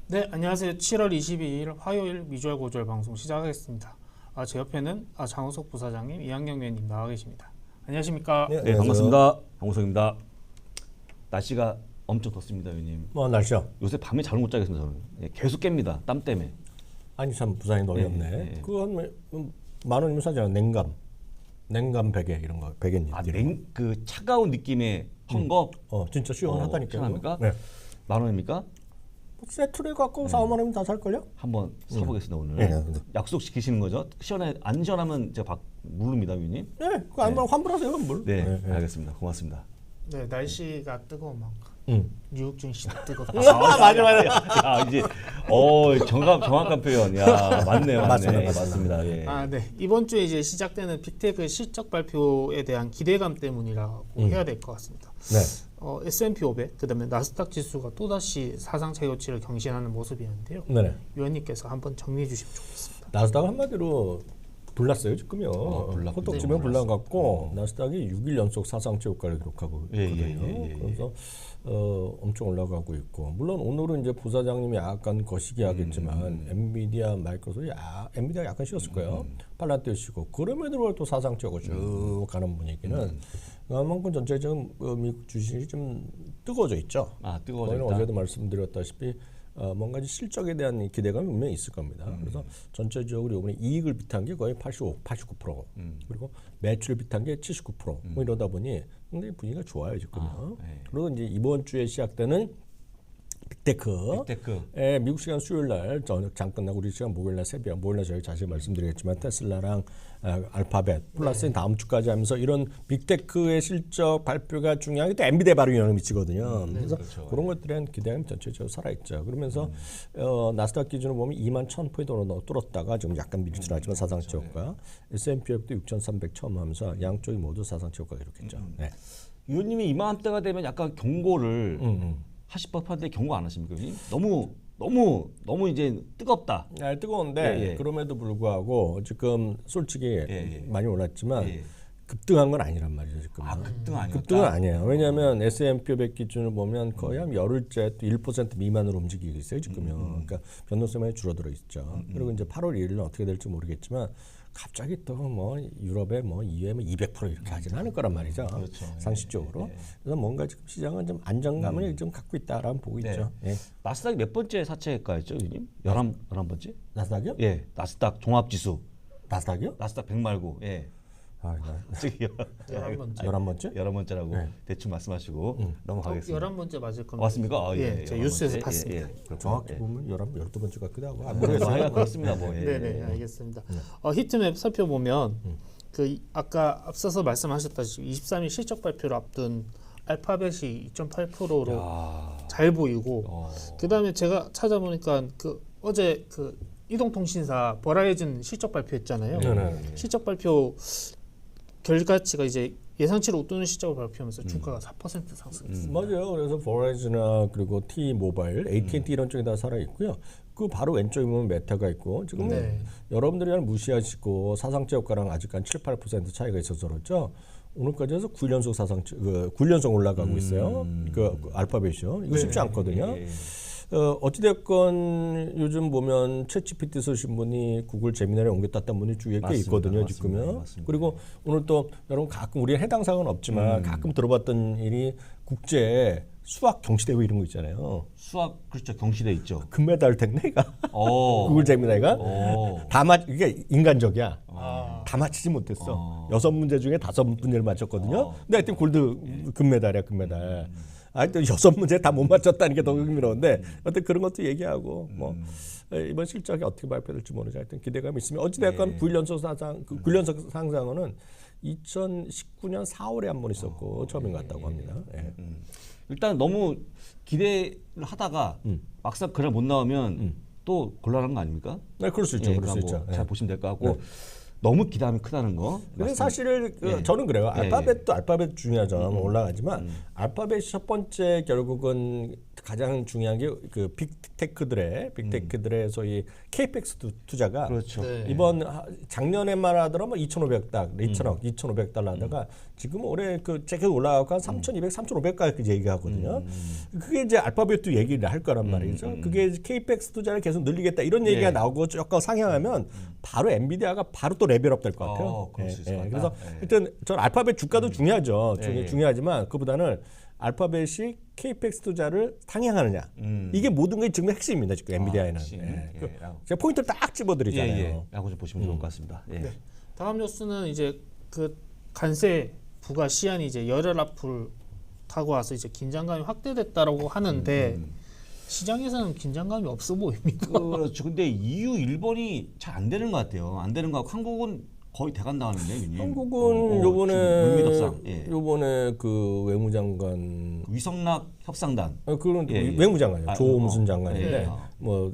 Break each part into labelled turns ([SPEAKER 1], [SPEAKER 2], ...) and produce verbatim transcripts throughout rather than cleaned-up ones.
[SPEAKER 1] 네, 안녕하세요. 칠월 이십이일 화요일 미주얼 고주얼 방송 시작하겠습니다. 아, 제 옆에는 아, 장우석 부사장님, 이한경 위원님 나와 계십니다. 안녕하십니까?
[SPEAKER 2] 네,
[SPEAKER 3] 네, 반갑습니다. 강호석입니다. 날씨가 엄청 덥습니다, 위원님.
[SPEAKER 2] 뭐 날씨요?
[SPEAKER 3] 요새 밤에 잠을 못 자겠습니다, 저는. 예, 계속 깹니다, 땀 때문에.
[SPEAKER 2] 아니 참 부산이 어이없네.
[SPEAKER 3] 네, 네.
[SPEAKER 2] 그건 만 원이면 사잖아. 냉감, 냉감 베개 이런 거 베개님.
[SPEAKER 3] 아, 냉, 그 차가운 느낌의 헝겊?
[SPEAKER 2] 어 진짜 시원하다니까요.
[SPEAKER 3] 어, 시원합니까?
[SPEAKER 2] 네.
[SPEAKER 3] 만 원입니까?
[SPEAKER 2] 세트를 갖고 네. 사, 오만 원이면 다 살 걸요?
[SPEAKER 3] 한번 사보겠습니다, 오늘.
[SPEAKER 2] 네, 네.
[SPEAKER 3] 약속 지키시는 거죠? 시원해, 안 시원하면 제가 박, 모릅니다, 위원님.
[SPEAKER 2] 네, 그 아니면 네. 환불하세요, 환불.
[SPEAKER 3] 네,
[SPEAKER 2] 네, 네.
[SPEAKER 3] 알겠습니다. 고맙습니다.
[SPEAKER 1] 네, 날씨가 뜨거운 만큼
[SPEAKER 2] 응.
[SPEAKER 1] 뉴욕 증시 뜨겁다.
[SPEAKER 3] 아, 맞아, 맞아. 아, 이제, 어, 정확, 정확한 표현. 야, 맞네요, 맞네.
[SPEAKER 2] 맞습니다,
[SPEAKER 3] 맞습니다. 예.
[SPEAKER 1] 아, 네. 이번 주에 이제 시작되는 빅테크 실적 발표에 대한 기대감 때문이라고
[SPEAKER 2] 음.
[SPEAKER 1] 해야 될 것 같습니다.
[SPEAKER 2] 네.
[SPEAKER 1] 어, 에스 앤 피 오백, 그다음에 나스닥 지수가 또다시 사상 최고치를 경신하는 모습이었는데요.
[SPEAKER 2] 네네.
[SPEAKER 1] 위원님께서 한번 정리해 주시면 좋겠습니다.
[SPEAKER 2] 나스닥 한마디로 불났어요 지금요.
[SPEAKER 3] 어, 불났-
[SPEAKER 2] 호떡지면
[SPEAKER 3] 네,
[SPEAKER 2] 불나갖고 나스닥이 육 일 연속 사상 최고가를 기록하고
[SPEAKER 3] 예,
[SPEAKER 2] 있거든요.
[SPEAKER 3] 예, 예, 예, 예.
[SPEAKER 2] 그래서 어, 엄청 올라가고 있고 물론 오늘은 이제 부사장님이 약간 거시기 하겠지만
[SPEAKER 3] 음.
[SPEAKER 2] 엔비디아, 마이크로소프트, 야, 엔비디아 약간 쉬었을 거예요. 팔란티어 쉬고 그럼에도 불구하고 또 사상 최고 쭉
[SPEAKER 3] 음.
[SPEAKER 2] 가는 분위기는 그만큼 전체적인 어, 미국 주식이 좀 뜨거워져 있죠.
[SPEAKER 3] 아, 뜨거워져
[SPEAKER 2] 저희는
[SPEAKER 3] 있다.
[SPEAKER 2] 어제도 말씀드렸다시피 어, 뭔가 실적에 대한 기대감이 분명히 있을 겁니다.
[SPEAKER 3] 음.
[SPEAKER 2] 그래서 전체적으로 이번에 이익을 비탄 게 거의 팔십오, 팔십구 퍼센트
[SPEAKER 3] 음.
[SPEAKER 2] 그리고 매출을 비탄 게 칠십구 퍼센트 뭐 이러다 보니 굉장히 분위기가 좋아요 지금요.
[SPEAKER 3] 아, 네.
[SPEAKER 2] 그리고 이제 이번 주에 시작되는 빅테크.
[SPEAKER 3] 빅테크.
[SPEAKER 2] 예, 미국 시간 수요일 날 저녁 장 끝나고 우리 시간 목요일 날 새벽 목요일 날 저희 자세히 말씀드리겠지만 테슬라랑 아, 알파벳 플러스
[SPEAKER 1] 네.
[SPEAKER 2] 다음 주까지 하면서 이런 빅테크의 실적 발표가 중요한 게 또 엔비디아 바로 영향을 미치거든요. 그래서
[SPEAKER 3] 그렇죠.
[SPEAKER 2] 그런 것들에 대한 기대감이 전체적으로 살아있죠. 그러면서
[SPEAKER 3] 음.
[SPEAKER 2] 어, 나스닥 기준으로 보면 이만 천 포인트로 뚫었다가 지금 약간
[SPEAKER 3] 음,
[SPEAKER 2] 밀출하지만 사상
[SPEAKER 3] 그렇죠.
[SPEAKER 2] 최고가 에스 앤 피 오백도 육천삼백 처음 하면서 양쪽이 모두 사상 최고가 기록했죠.
[SPEAKER 3] 음.
[SPEAKER 2] 네.
[SPEAKER 3] 위원님이 이맘때가 되면 약간 경고를
[SPEAKER 2] 음, 음.
[SPEAKER 3] 하실 법한데 경고 안 하십니까, 위원님? 너무 너무 너무 이제 뜨겁다.
[SPEAKER 2] 아, 뜨거운데
[SPEAKER 3] 예, 예.
[SPEAKER 2] 그럼에도 불구하고 지금 솔직히
[SPEAKER 3] 예.
[SPEAKER 2] 많이 올랐지만
[SPEAKER 3] 예.
[SPEAKER 2] 급등한 건 아니란 말이죠 지금.
[SPEAKER 3] 아, 급등 아니었다.
[SPEAKER 2] 급등은 아니에요. 왜냐하면 에스 앤 피 오백 기준을 보면 거의 한 열흘째 또 일 퍼센트 미만으로 움직이고 있어요 지금요.
[SPEAKER 3] 음.
[SPEAKER 2] 그러니까 변동성이 많이 줄어들어 있죠. 그리고 이제 팔월 일일은 어떻게 될지 모르겠지만 갑자기 또 뭐 유럽에 뭐 이유에 뭐 이백 퍼센트 이렇게 하지는 않을 거란 말이죠.
[SPEAKER 3] 그렇죠.
[SPEAKER 2] 상식적으로.
[SPEAKER 3] 예, 예.
[SPEAKER 2] 그래서 뭔가 지금 시장은 좀 안정감을 좀 갖고 있다라는 보고
[SPEAKER 3] 네.
[SPEAKER 2] 있죠. 예.
[SPEAKER 3] 나스닥이 몇 번째 사채가였죠, 위원님? 열한 열한 번째?
[SPEAKER 2] 나스닥이요?
[SPEAKER 3] 예, 나스닥 종합지수.
[SPEAKER 2] 나스닥이요?
[SPEAKER 3] 나스닥 백 말고, 예.
[SPEAKER 2] 아, 나-
[SPEAKER 3] 저기요.
[SPEAKER 1] 열한 번째.
[SPEAKER 2] 열한 번째?
[SPEAKER 3] 열한 번째라고
[SPEAKER 2] 네.
[SPEAKER 3] 대충 말씀하시고 넘어가겠습니다.
[SPEAKER 1] 열한 번째 맞을 겁니다.
[SPEAKER 3] 맞습니까? 아,
[SPEAKER 1] 예, 제가
[SPEAKER 3] 열한
[SPEAKER 1] 뉴스에서
[SPEAKER 3] 번째.
[SPEAKER 1] 봤습니다.
[SPEAKER 3] 예, 예. 그렇군요.
[SPEAKER 2] 정확히
[SPEAKER 3] 예.
[SPEAKER 2] 보면 열한, 열두 번째 같기도 하고. 아,
[SPEAKER 3] 뭐
[SPEAKER 2] 모르겠어요.
[SPEAKER 3] 하여간 그렇습니다. 뭐. 예.
[SPEAKER 1] 네네, 알겠습니다. 어, 히트맵 살펴보면 그 이- 아까 앞서서 말씀하셨다시피 이십삼일 실적 발표를 앞둔 알파벳이 이 점 팔 퍼센트로
[SPEAKER 3] 야.
[SPEAKER 1] 잘 보이고
[SPEAKER 3] 어.
[SPEAKER 1] 그다음에 제가 찾아보니까 그 어제 그 이동통신사 버라이즌 실적 발표했잖아요.
[SPEAKER 2] 네네.
[SPEAKER 1] 실적 발표 결과치가 이제 예상치를 웃도는 실적을 발표하면서 주가가 사 퍼센트 상승했습니다.
[SPEAKER 2] 맞아요. 그래서 버라이즈나 그리고 T 모바일, 에이티 앤 티 이런 쪽이 다 살아 있고요. 그 바로 왼쪽에 보면 메타가 있고 지금
[SPEAKER 1] 네.
[SPEAKER 2] 여러분들이 그냥 무시하시고 사상체 효과랑 아직 한 칠, 팔 퍼센트 차이가 있어서 그렇죠. 오늘까지 해서 구 일 연속 사상 그 구 일 연속 올라가고 있어요. 그, 그 알파벳이요. 이거 쉽지 않거든요.
[SPEAKER 3] 예, 예.
[SPEAKER 2] 어, 어찌됐건 요즘 보면 챗지피티 쓰신 분이 구글 제미나이에 옮겼다는 분이 주위에 꽤
[SPEAKER 3] 맞습니다.
[SPEAKER 2] 있거든요
[SPEAKER 3] 맞습니다.
[SPEAKER 2] 지금요.
[SPEAKER 3] 맞습니다.
[SPEAKER 2] 그리고 오늘 또 여러분 가끔 우리 해당 사항은 없지만 가끔 들어봤던 일이 국제 수학 경시대회 이런 거 있잖아요.
[SPEAKER 3] 수학 그렇죠. 경시돼 있죠.
[SPEAKER 2] 금메달 됐네 이가
[SPEAKER 3] 어.
[SPEAKER 2] 구글 제미나이가
[SPEAKER 3] 어.
[SPEAKER 2] 다 맞, 이게 인간적이야.
[SPEAKER 1] 아,
[SPEAKER 2] 다 맞히지 못했어.
[SPEAKER 3] 어.
[SPEAKER 2] 여섯 문제 중에 다섯 문제를 맞췄거든요.
[SPEAKER 3] 어.
[SPEAKER 2] 근데 하여튼 골드 금메달이야 금메달. 하여튼 여섯 문제 다 못 맞췄다는 게 더 흥미로운데 하여튼 그런 것도 얘기하고 뭐 에, 이번 실적이 어떻게 발표될지 모르죠. 하여튼 기대감이 있으면 어찌됐건
[SPEAKER 3] 네.
[SPEAKER 2] 구 일 연속 상상, 그 구 일 연속 상상은 이천십구 년 사월에 한 번 있었고 처음인 것 같다고 합니다. 예.
[SPEAKER 3] 음. 일단 너무 기대를 하다가
[SPEAKER 2] 음.
[SPEAKER 3] 막상 그날 못 나오면 또 곤란한 거 아닙니까?
[SPEAKER 2] 네, 그럴 수 있죠.
[SPEAKER 3] 예,
[SPEAKER 2] 그럴 수
[SPEAKER 3] 그러니까
[SPEAKER 2] 있죠.
[SPEAKER 3] 뭐
[SPEAKER 2] 예.
[SPEAKER 3] 잘 보시면 될 것 같고 너무 기대하면 크다는 거.
[SPEAKER 2] 근데
[SPEAKER 3] 말씀-
[SPEAKER 2] 사실 그
[SPEAKER 3] 예.
[SPEAKER 2] 저는 그래요.
[SPEAKER 3] 예,
[SPEAKER 2] 알파벳도 알파벳 중요하죠. 올라가지만 알파벳이 첫 번째 결국은 가장 중요한 게 그 빅테크들의 빅테크들의 소위 케이펙스 투자가
[SPEAKER 3] 그렇죠.
[SPEAKER 1] 네.
[SPEAKER 2] 이번 하- 작년에만 하더라도 뭐 이천오백 달, 이천억,
[SPEAKER 3] 음.
[SPEAKER 2] 이천오백 달러 하다가 지금 올해 그 재킷 올라가고 한 삼천이백, 삼천오백까지 얘기하거든요.
[SPEAKER 3] 음.
[SPEAKER 2] 그게 이제 알파벳도 얘기를 할 거란 말이죠. 그게 케이펙스 투자를 계속 늘리겠다 이런 얘기가
[SPEAKER 3] 예.
[SPEAKER 2] 나오고 조금 상향하면 바로 엔비디아가 바로 또 레벨업 될 것 같아요.
[SPEAKER 3] 어, 그럴 수 있을 것 같다.
[SPEAKER 2] 그래서
[SPEAKER 3] 예.
[SPEAKER 2] 일단 전 알파벳 주가도 중요하죠.
[SPEAKER 3] 예,
[SPEAKER 2] 중요,
[SPEAKER 3] 예.
[SPEAKER 2] 중요하지만 그보다는 알파벳이 케이펙스 투자를 상향하느냐.
[SPEAKER 3] 음.
[SPEAKER 2] 이게 모든 게 지금 핵심입니다. 지금 엔비디아에는.
[SPEAKER 3] 핵심.
[SPEAKER 2] 예.
[SPEAKER 3] 예,
[SPEAKER 2] 그
[SPEAKER 3] 라고.
[SPEAKER 2] 제가 포인트를 딱 집어드리잖아요.
[SPEAKER 3] 예, 예. 라고 좀 보시면 좋을 것 같습니다. 예.
[SPEAKER 1] 네. 다음 뉴스는 이제 그 관세 부과 시한이 이제 열흘 앞을 타고 와서 이제 긴장감이 확대됐다라고 하는데
[SPEAKER 3] 음,
[SPEAKER 1] 시장에서는 긴장감이 없어 보입니다.
[SPEAKER 3] 그렇죠. 근데 이유 일본이 잘 안 되는 것 같아요. 안 되는 거 같고 한국은 거의 대간다하는데 유님.
[SPEAKER 2] 한국은
[SPEAKER 3] 어, 어,
[SPEAKER 2] 요번에
[SPEAKER 3] 지금 물미덕상. 예.
[SPEAKER 2] 요번에 그 외무장관
[SPEAKER 3] 위성락 협상단.
[SPEAKER 2] 어, 그런
[SPEAKER 3] 예, 예.
[SPEAKER 2] 외무장관이요.
[SPEAKER 3] 아,
[SPEAKER 2] 조
[SPEAKER 3] 어,
[SPEAKER 2] 무슨
[SPEAKER 3] 예,
[SPEAKER 2] 장관인데
[SPEAKER 3] 예.
[SPEAKER 2] 뭐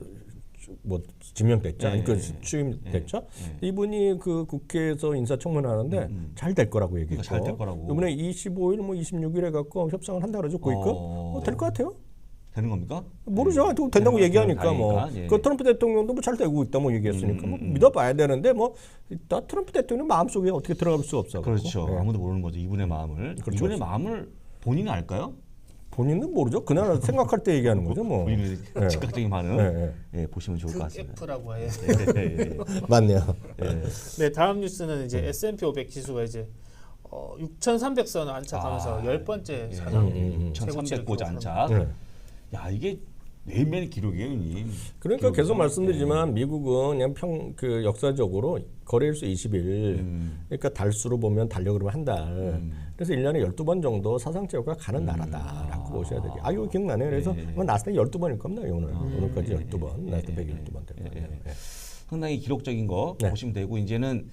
[SPEAKER 2] 뭐 지명됐죠.
[SPEAKER 3] 예,
[SPEAKER 2] 아니 그
[SPEAKER 3] 예,
[SPEAKER 2] 취임됐죠.
[SPEAKER 3] 예.
[SPEAKER 2] 이분이 그 국회에서 인사청문회 하는데
[SPEAKER 3] 음.
[SPEAKER 2] 잘 될 거라고 얘기했고.
[SPEAKER 3] 그러니까 잘될 거라고.
[SPEAKER 2] 이번에 이십오 일 뭐 이십육 일에 갖고 협상을 한다 그러죠. 고위급.
[SPEAKER 3] 어.
[SPEAKER 2] 어, 될 것 같아요.
[SPEAKER 3] 되는 겁니까?
[SPEAKER 2] 모르죠.
[SPEAKER 3] 예.
[SPEAKER 2] 또 된다고
[SPEAKER 3] 되는
[SPEAKER 2] 얘기하니까
[SPEAKER 3] 거
[SPEAKER 2] 뭐.
[SPEAKER 3] 다행이니까. 예.
[SPEAKER 2] 그 트럼프 대통령도 뭐 잘 되고 있다 뭐 얘기했으니까
[SPEAKER 3] 음,
[SPEAKER 2] 뭐
[SPEAKER 3] 음.
[SPEAKER 2] 믿어봐야 되는데 뭐 나 트럼프 대통령 마음속에 어떻게 들어갈 수 없어.
[SPEAKER 3] 그렇죠.
[SPEAKER 2] 예.
[SPEAKER 3] 아무도 모르는 거죠. 이분의 마음을.
[SPEAKER 2] 그렇죠,
[SPEAKER 3] 이분의
[SPEAKER 2] 그렇죠.
[SPEAKER 3] 마음을 본인은 알까요?
[SPEAKER 2] 본인은 모르죠. 그날 생각할 때 얘기하는 거죠. 뭐.
[SPEAKER 3] 본인의
[SPEAKER 2] 예.
[SPEAKER 3] 즉각적인 반응.
[SPEAKER 2] 예,
[SPEAKER 3] 예, 보시면 좋을 것
[SPEAKER 1] 그
[SPEAKER 3] 같습니다.
[SPEAKER 1] F라고 해요.
[SPEAKER 3] 예, 예, 예.
[SPEAKER 2] 맞네요.
[SPEAKER 3] 예.
[SPEAKER 1] 네, 다음 뉴스는 이제 에스 앤 피 오백 지수가 이제 어, 육천삼백 선을 안착하면서
[SPEAKER 3] 아,
[SPEAKER 1] 열 번째
[SPEAKER 3] 예.
[SPEAKER 1] 사상
[SPEAKER 2] 음, 음, 음.
[SPEAKER 1] 최고치를
[SPEAKER 3] 천삼백 고자
[SPEAKER 1] 기록합니다.
[SPEAKER 3] 안착.
[SPEAKER 2] 네.
[SPEAKER 3] 야 이게 매일매일 기록이에요, 님.
[SPEAKER 2] 그러니까 계속
[SPEAKER 3] 기록은.
[SPEAKER 2] 말씀드리지만 미국은 그냥 평 그 역사적으로 거래일수 이십 일.
[SPEAKER 3] 음.
[SPEAKER 2] 그러니까 달수로 보면 달력 그러면 한 달. 그래서 일 년에 열두 번 정도 사상체육가 가는 나라다라고 보셔야 되죠. 아, 이거 기억나네요. 그래서
[SPEAKER 3] 예, 예.
[SPEAKER 2] 아마 나스닥 열두 번일 겁니다. 오늘. 오늘까지
[SPEAKER 3] 예,
[SPEAKER 2] 열두 번.
[SPEAKER 3] 예,
[SPEAKER 2] 나스닥
[SPEAKER 3] 예,
[SPEAKER 2] 백 열두 번 될
[SPEAKER 3] 예,
[SPEAKER 2] 거예요.
[SPEAKER 3] 예.
[SPEAKER 2] 예.
[SPEAKER 3] 상당히 기록적인 거
[SPEAKER 2] 네.
[SPEAKER 3] 보시면 되고 이제는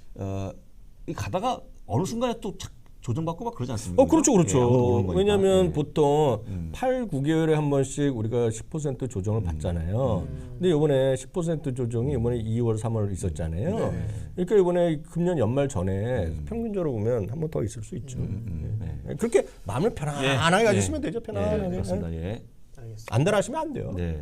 [SPEAKER 3] 어, 이 가다가 어느 순간에 또 착 조정받고 막 그러지 않습니까?
[SPEAKER 2] 어, 그렇죠,
[SPEAKER 3] 예, 아무도 모르는
[SPEAKER 2] 그렇죠.
[SPEAKER 3] 거니까.
[SPEAKER 2] 왜냐하면
[SPEAKER 3] 예.
[SPEAKER 2] 보통
[SPEAKER 3] 음.
[SPEAKER 2] 팔, 구 개월에 한 번씩 우리가 십 퍼센트 조정을 받잖아요. 근데 이번에 십 퍼센트 조정이 이번에 이월, 삼월 있었잖아요.
[SPEAKER 3] 네.
[SPEAKER 2] 그러니까 이번에 금년 연말 전에 평균적으로 보면 한 번 더 있을 수 있죠.
[SPEAKER 3] 음,
[SPEAKER 2] 예. 그렇게 마음을 편안하게
[SPEAKER 3] 예.
[SPEAKER 2] 가지시면
[SPEAKER 3] 예.
[SPEAKER 2] 되죠.
[SPEAKER 3] 예,
[SPEAKER 2] 편안하게.
[SPEAKER 3] 그렇습니다. 예.
[SPEAKER 1] 알겠습니다.
[SPEAKER 2] 안달하시면 안 돼요.
[SPEAKER 3] 네.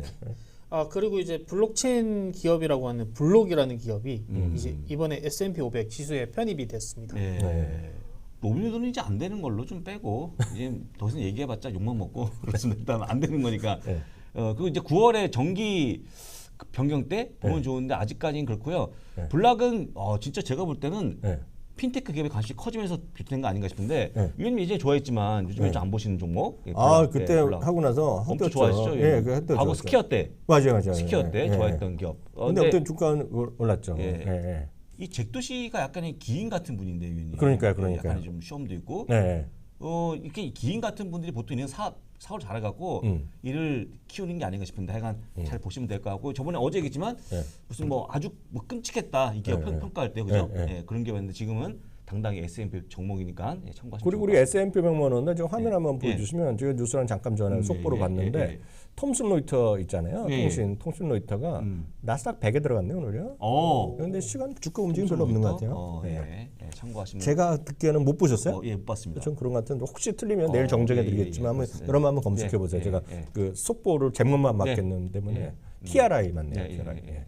[SPEAKER 1] 아 그리고 이제 블록체인 기업이라고 하는 블록이라는 기업이
[SPEAKER 3] 음.
[SPEAKER 1] 이제 이번에 에스 앤 피 오백 지수에 편입이 됐습니다.
[SPEAKER 3] 예.
[SPEAKER 2] 네.
[SPEAKER 3] 로빈후드는 이제 안 되는 걸로 좀 빼고 이제 더 이상 얘기해봤자 욕만 먹고 그렇습니다. 일단 안 되는 거니까.
[SPEAKER 2] 네.
[SPEAKER 3] 어 그리고 이제 구월에 정기 그 변경 때 보면
[SPEAKER 2] 네.
[SPEAKER 3] 좋은데 아직까지는 그렇고요.
[SPEAKER 2] 네.
[SPEAKER 3] 블락은 어 진짜 제가 볼 때는
[SPEAKER 2] 네.
[SPEAKER 3] 핀테크 기업의 관심이 커지면서 비롯된 거 아닌가 싶은데
[SPEAKER 2] 네.
[SPEAKER 3] 위원님 이제 좋아했지만 요즘에
[SPEAKER 2] 네.
[SPEAKER 3] 좀 안 보시는 종목. 예,
[SPEAKER 2] 아
[SPEAKER 3] 블락,
[SPEAKER 2] 그때
[SPEAKER 3] 예, 블락.
[SPEAKER 2] 하고 나서
[SPEAKER 3] 엄청
[SPEAKER 2] 했었죠.
[SPEAKER 3] 좋아하시죠?
[SPEAKER 2] 예, 그 했던
[SPEAKER 3] 과거 스키어 때
[SPEAKER 2] 맞아요, 맞아요.
[SPEAKER 3] 스키어 때
[SPEAKER 2] 예, 예.
[SPEAKER 3] 좋아했던 기업. 어,
[SPEAKER 2] 근데
[SPEAKER 3] 근데
[SPEAKER 2] 어떤 주가는 올- 올랐죠.
[SPEAKER 3] 예.
[SPEAKER 2] 예, 예.
[SPEAKER 3] 이 잭도 씨가 약간의 기인 같은 분인데 위원님.
[SPEAKER 2] 그러니까요,
[SPEAKER 3] 예,
[SPEAKER 2] 그러니까요.
[SPEAKER 3] 약간 좀 시험도 있고.
[SPEAKER 2] 네.
[SPEAKER 3] 어 이렇게 기인 같은 분들이 보통 이런 사업 사업을 잘해갖고
[SPEAKER 2] 음.
[SPEAKER 3] 일을 키우는 게 아닌가 싶은데 하여간 잘 보시면 될 것 같고 저번에 어제 얘기했지만
[SPEAKER 2] 예.
[SPEAKER 3] 무슨 뭐 아주 뭐 끔찍했다 이 기업
[SPEAKER 2] 예,
[SPEAKER 3] 평,
[SPEAKER 2] 예.
[SPEAKER 3] 평가할 때 그죠?
[SPEAKER 2] 예, 예.
[SPEAKER 3] 예, 그런 기업이었는데 지금은 당당히 에스 앤 피 종목이니까 예, 참고하시면
[SPEAKER 2] 그리고
[SPEAKER 3] 좋을
[SPEAKER 2] 우리
[SPEAKER 3] 것
[SPEAKER 2] 에스 앤 피 백만 원인데 지금 화면
[SPEAKER 3] 예.
[SPEAKER 2] 한번
[SPEAKER 3] 예.
[SPEAKER 2] 보여주시면 제가 뉴스랑 잠깐 전에
[SPEAKER 3] 음,
[SPEAKER 2] 속보로
[SPEAKER 3] 예, 예,
[SPEAKER 2] 봤는데
[SPEAKER 3] 예, 예.
[SPEAKER 2] 톰슨 로이터 있잖아요.
[SPEAKER 3] 예, 예.
[SPEAKER 2] 통신 톰슨 로이터가
[SPEAKER 3] 음.
[SPEAKER 2] 나스닥 백에 들어갔네요 오늘요.
[SPEAKER 3] 어.
[SPEAKER 2] 그런데 시간 주가 움직임 별로 없는 것 같아요.
[SPEAKER 3] 어,
[SPEAKER 2] 예.
[SPEAKER 3] 예. 예, 참고하시면.
[SPEAKER 2] 제가 듣기에는 못 보셨어요?
[SPEAKER 3] 어, 예, 못 봤습니다.
[SPEAKER 2] 전 그런 것 같은데 혹시 틀리면
[SPEAKER 3] 어,
[SPEAKER 2] 내일 정정해
[SPEAKER 3] 예, 예,
[SPEAKER 2] 드리겠지만
[SPEAKER 3] 예,
[SPEAKER 2] 한번
[SPEAKER 3] 그렇습니다.
[SPEAKER 2] 여러분 한번 검색해 보세요.
[SPEAKER 3] 예,
[SPEAKER 2] 제가
[SPEAKER 3] 예, 예.
[SPEAKER 2] 그 속보를 제목만
[SPEAKER 3] 네.
[SPEAKER 2] 맞겠는 때문에
[SPEAKER 3] 예.
[SPEAKER 2] 티알아이 맞네요.
[SPEAKER 3] 예, 예,
[SPEAKER 2] 티알아이.
[SPEAKER 3] 예.